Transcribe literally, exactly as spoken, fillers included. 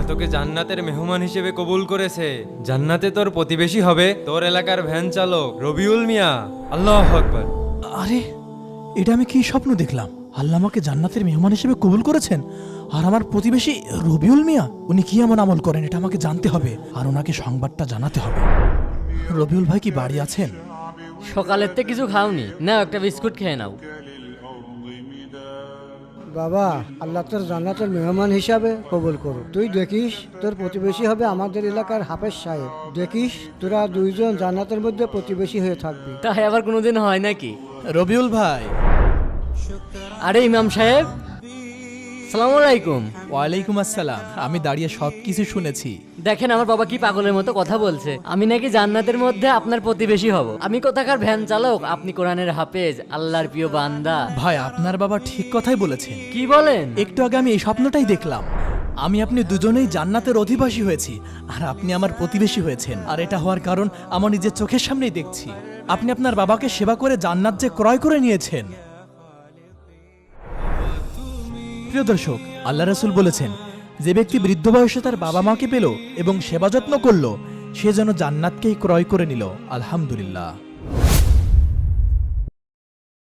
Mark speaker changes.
Speaker 1: তোকে জান্নাতের মেহমান হিসেবে কবুল করেছে। জান্নাতে তোর প্রতিবেশী হবে তোর এলাকার ভ্যান চালক রবিউল মিয়া। আল্লাহু আকবার।
Speaker 2: আরে এটা আমি কি স্বপ্ন দেখলাম? আল্লাহ আমাকে জান্নাতের মেহমান হিসেবে কবুল করেছেন, আর আমার প্রতিবেশী রবিউল মিয়া, উনি কি এমন আমল করেন এটা আমাকে জানতে হবে, আর ওনাকে সংবাদটা জানাতে হবে। রবিউল ভাই কি বাড়ি আছেন?
Speaker 3: সকালের থেকে কিছু খাওনি, নাও একটা বিস্কুট খেয়ে নাও।
Speaker 4: বাবা, আল্লাহ তোর জান্নাতের মেহমান হিসাবে কবুল করুক। তুই দেখিস তোর প্রতিবেশী হবে আমাদের এলাকার হাফেজ সাহেব। দেখিস তোরা দুইজন জান্নাতের মধ্যে প্রতিবেশী হয়ে থাকবি।
Speaker 3: তাই আবার কোনোদিন হয় নাকি?
Speaker 2: রবিউল ভাই।
Speaker 3: আরে ইমাম সাহেব, আসসালামু আলাইকুম।
Speaker 2: ওয়ালাইকুম আসসালাম। আমি দাঁড়িয়ে সব কিছু শুনেছি।
Speaker 3: দেখেন আমার বাবা কি পাগলের মতো কথা বলছে। আমি নাকি জান্নাতের মধ্যে আপনার প্রতিবেশী হব। আমি কোথাকার ভ্যান চালক, আপনি কোরআনের হাফেজ, আল্লাহর প্রিয় বান্দা।
Speaker 2: ভাই আপনার বাবা ঠিক কথাই বলেছেন।
Speaker 3: কি বলেন?
Speaker 2: একটু আগে আমি এই স্বপ্নটাই দেখলাম। আমি আপনি দুজনেই জান্নাতের অধিবাসী হয়েছি, আর আপনি আমার প্রতিবেশী হয়েছেন। আর এটা হওয়ার কারণ আমার নিজের চোখের সামনেই দেখছি। আপনি আপনার বাবাকে সেবা করে জান্নাত যে ক্রয় করে নিয়েছেন। প্রিয় দর্শক, আল্লাহ রাসূল বলেছেন, যে ব্যক্তি বৃদ্ধ বয়সে তার বাবা মাকে পেল এবং সেবা যত্ন করলো, সে যেন জান্নাতকেই ক্রয় করে নিল। আলহামদুলিল্লাহ।